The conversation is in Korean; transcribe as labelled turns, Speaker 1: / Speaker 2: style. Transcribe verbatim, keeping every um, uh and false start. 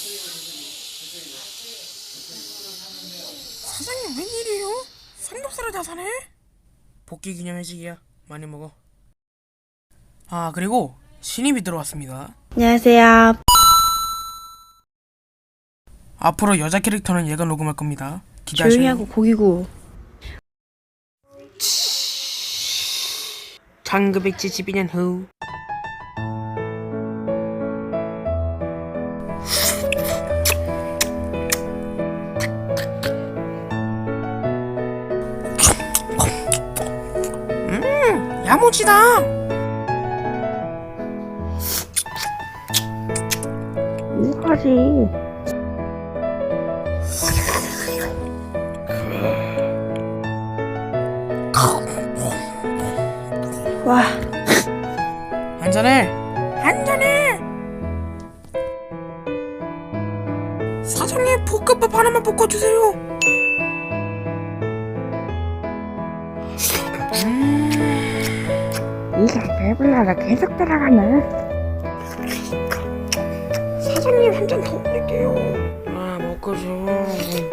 Speaker 1: 사장님 웬일이에요? 삼겹살을 다 사네? 복귀 기념 회식이야. 많이 먹어. 아 그리고 신입이 들어왔습니다.
Speaker 2: 안녕하세요.
Speaker 1: 앞으로 여자 캐릭터는 얘가 녹음할 겁니다.
Speaker 2: 조용히
Speaker 1: 기대하세요.
Speaker 2: 하고 고기 구워.
Speaker 1: 천구백칠십이 년 후 음 야무지다.
Speaker 2: 뭐하지? 와,
Speaker 1: 한잔해 한잔해. 사장님 볶음밥 하나만 볶아주세요.
Speaker 2: 이가 배불러서 계속 들어가네.
Speaker 1: 사장님 한 잔 더 올릴게요. 아 먹고 줘.